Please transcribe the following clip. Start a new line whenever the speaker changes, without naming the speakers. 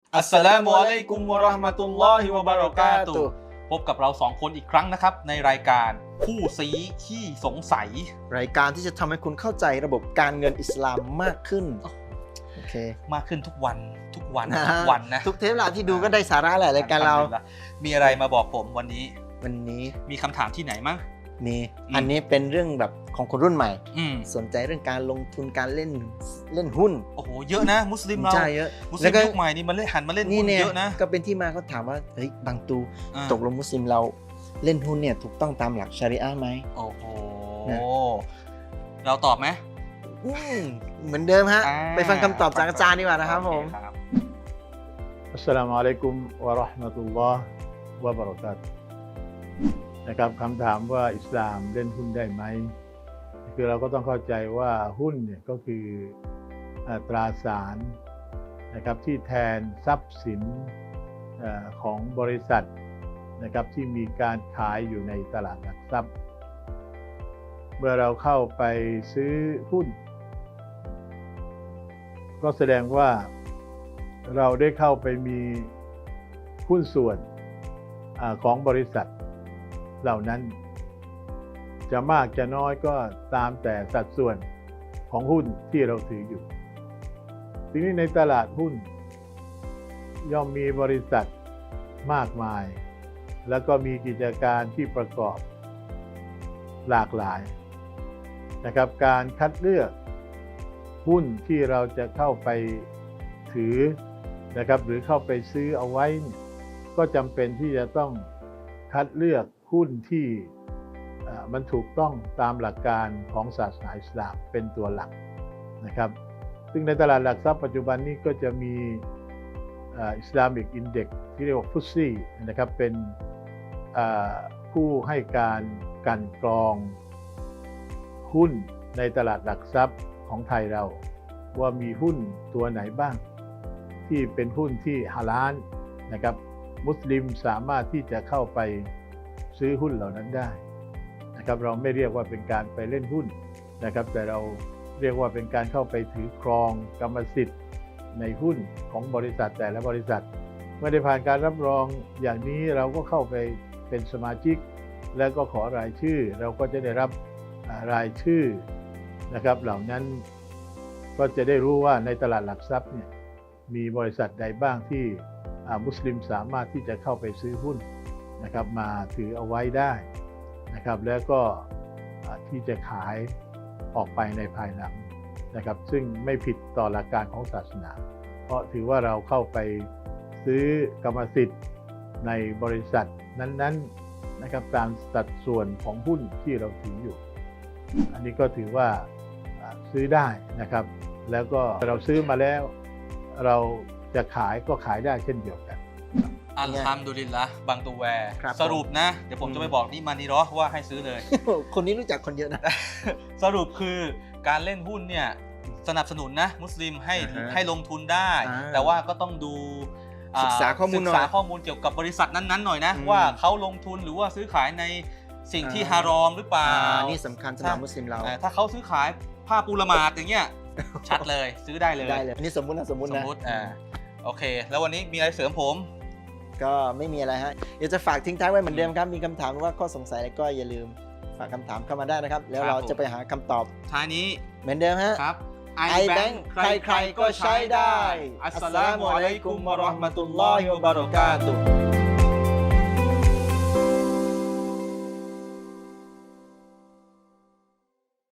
อัสสลามุอะลัยกุมวะเราะห์มะตุลลอฮิวะบะเราะกาตุฮ์พบกับเราสองคนอีกครั้งนะครับในรายการผู้ซี้ขี้สงสัย
รายการที่จะทำให้คุณเข้าใจระบบการเงินอิสลามมากขึ้นโอเค
มากขึ้นทุกวันนะ
ทุกเทปละที่ดูก็ได้สาระแหละรายการเรา
มีอะไรมาบอกผมวันนี้มีคำถามที่ไหนมั้ง
มีอันนี้เป็นเรื่องแบบของคนรุ่นใหม่สนใจเรื่องการลงทุนการเล่นหุ้น
โอ้โหเยอะนะมุสลิมเรา
ใช่เยอะ
มุสลิมยุคใหม่นี่มันหันมาเล่นหุ้นเยอะนะ
ก็เป็นที่มาเขาถามว่าเฮ้ยบางตูตกลงมุสลิมเราเล่นหุ้นเนี่ยถูกต้องตามหลักชาริอะห์ไหม
โอ้โหเราตอบไหม
เหมือนเดิมฮะไปฟังคำตอบจากอาจารย์ดีกว่านะครับผม
อัสสลามุอะลัยกุมวะเราะห์มะตุลลอฮ์วะบะเราะกาตุฮ์นะครับคำถามว่าอิสลามเล่นหุ้นได้ไหมคือเราก็ต้องเข้าใจว่าหุ้นเนี่ยก็คือตราสารนะครับที่แทนทรัพย์สินของบริษัทนะครับที่มีการขายอยู่ในตลาดหลักทรัพย์เมื่อเราเข้าไปซื้อหุ้นก็แสดงว่าเราได้เข้าไปมีหุ้นส่วนของบริษัทเหล่านั้นจะมากจะน้อยก็ตามแต่สัดส่วนของหุ้นที่เราถืออยู่ทีนี้ในตลาดหุ้นย่อมมีบริษัทมากมายแล้วก็มีกิจการที่ประกอบหลากหลายนะครับการคัดเลือกหุ้นที่เราจะเข้าไปถือนะครับหรือเข้าไปซื้อเอาไว้ก็จำเป็นที่จะต้องคัดเลือกหุ้นที่มันถูกต้องตามหลักการของศาสนาอิสลามเป็นตัวหลักนะครับซึ่งในตลาดหลักทรัพย์ปัจจุบันนี้ก็จะมีIslamic Index ที่เรียกว่าฟุตซี่นะครับเป็นผู้ให้การกลั่นกรองหุ้นในตลาดหลักทรัพย์ของไทยเราว่ามีหุ้นตัวไหนบ้างที่เป็นหุ้นที่ฮาลาลนะครับมุสลิมสามารถที่จะเข้าไปซื้อหุ้นเหล่านั้นได้นะครับเราไม่เรียกว่าเป็นการไปเล่นหุ้นนะครับแต่เราเรียกว่าเป็นการเข้าไปถือครองกรรมสิทธิ์ในหุ้นของบริษัทแต่ละบริษัทเมื่อได้ผ่านการรับรองอย่างนี้เราก็เข้าไปเป็นสมาชิกแล้วก็ขอรายชื่อเราก็จะได้รับรายชื่อนะครับเหล่านั้นก็จะได้รู้ว่าในตลาดหลักทรัพย์เนี่ยมีบริษัทใดบ้างที่มุสลิมสามารถที่จะเข้าไปซื้อหุ้นนะครับมาถือเอาไว้ได้นะครับแล้วก็ที่จะขายออกไปในภายหลังนะครับซึ่งไม่ผิดต่อหลักการของศาสนาเพราะถือว่าเราเข้าไปซื้อกรรมสิทธิ์ในบริษัทนั้นๆนะครับตามสัดส่วนของหุ้นที่เราถืออยู่อันนี้ก็ถือว่าซื้อได้นะครับแล้วก็เราซื้อมาแล้วเราจะขายก็ขายได้เช่นเดียวกัน
อัลฮัมดุลิลละห์บางตัวแวร์สรุปนะเดี๋ยวผมจะไปบอกนี่มานีรอว่าให้ซื้อเลย
คนนี้รู้จักคนเยอะนะ
สรุปคือการเล่นหุ้นเนี่ยสนับสนุนนะมุสลิมให้ลงทุนได้แต่ว่าก็ต้องดู
ศึกษาข้อ
มูลเกี่ยวกับบริษัทนั้นๆหน่อยนะว่าเขาลงทุนหรือว่าซื้อขายในสิ่งที่ฮารอมหรือเปล่า
นี่สำคัญสำหรับมุสลิมเรา
ถ้าเขาซื้อขายผ้าปูละหมาดอย่างเงี้ยชัดเลยซื้อได้เลย
อันนี้สมมุตินะ
โอเคแล้ววันนี้มีอะไรเสริมผม
ก็ไม่มีอะไรฮะอยากจะฝากทิ้งท้ายไว้เหมือนเดิมครับมีคำถามหรือว่าข้อสงสัยอะไรก็อย่าลืมฝากคำถามเข้ามาได้นะครับแล้วเราจะไปหาคำตอบ
ท้ายนี้
เหมือนเดิมฮะ
ครับ
iBank ใครๆก็ใช้ได้อัสสลามุอะลัยกุมวะเราะห์มะตุลลอฮิวะบะเราะกาตุฮ์